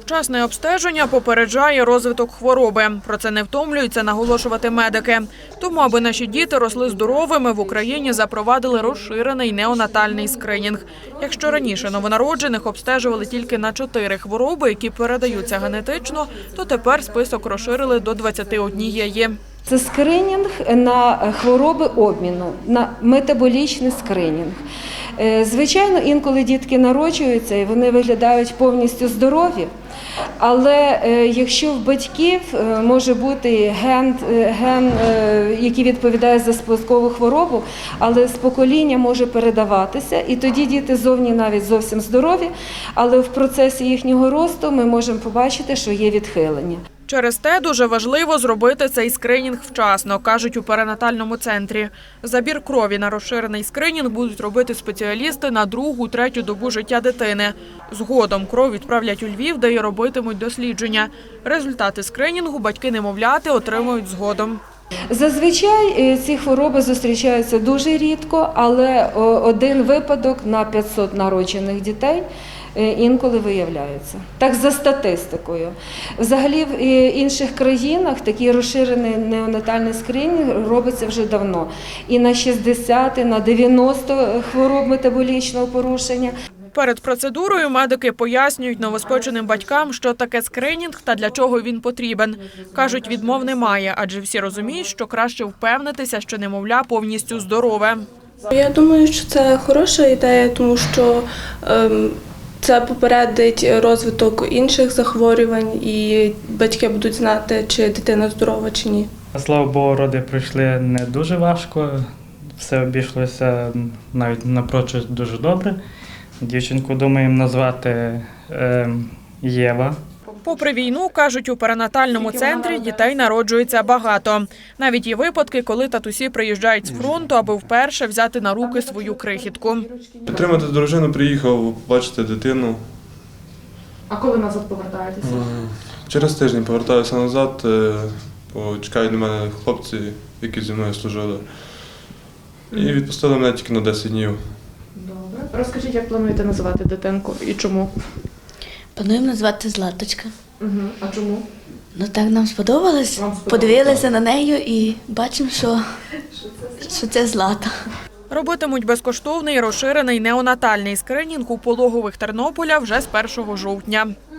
Вчасне обстеження попереджає розвиток хвороби. Про це не втомлюються наголошувати медики. Тому, аби наші діти росли здоровими, в Україні запровадили розширений неонатальний скринінг. Якщо раніше новонароджених обстежували тільки на 4 хвороби, які передаються генетично, то тепер список розширили до 21. Це скринінг на хвороби обміну, на метаболічний скринінг. Звичайно, інколи дітки народжуються і вони виглядають повністю здорові, але якщо в батьків може бути ген, який відповідає за спадкову хворобу, але з покоління може передаватися, і тоді діти зовні навіть зовсім здорові, але в процесі їхнього росту ми можемо побачити, що є відхилення. Через те дуже важливо зробити цей скринінг вчасно, кажуть у перинатальному центрі. Забір крові на розширений скринінг будуть робити спеціалісти на 2-3 добу життя дитини. Згодом кров відправлять у Львів, де й робитимуть дослідження. Результати скринінгу батьки-немовляти отримують згодом. Зазвичай ці хвороби зустрічаються дуже рідко, але один випадок на 500 народжених дітей інколи виявляється. Так за статистикою. Взагалі в інших країнах такий розширений неонатальний скринінг робиться вже давно. І на 60, і на 90 хвороб метаболічного порушення. Перед процедурою медики пояснюють новоспеченим батькам, що таке скринінг та для чого він потрібен. Кажуть, відмов немає, адже всі розуміють, що краще впевнитися, що немовля повністю здорове. Я думаю, що це хороша ідея, тому що це попередить розвиток інших захворювань і батьки будуть знати, чи дитина здорова, чи ні. Слава Богу, роди пройшли не дуже важко, все обійшлося навіть напрочуд дуже добре. Дівчинку думаємо назвати Єва. Попри війну, кажуть, у перинатальному центрі дітей народжується багато. Навіть є випадки, коли татусі приїжджають з фронту, аби вперше взяти на руки свою крихітку. Підтримати дружину приїхав, бачити дитину. А коли назад повертаєтеся? Через тиждень повертаюся назад, бо чекають на мене хлопці, які зі мною служили. І відпустили мене тільки на 10 днів. Добре. Розкажіть, як плануєте називати дитинку і чому? Плануємо назвати Златочка. А чому? Ну так нам сподобалось. Подивилися на неї і бачимо, що це Злата. Робитимуть безкоштовний розширений неонатальний скринінг у пологових Тернополя вже з 1 жовтня.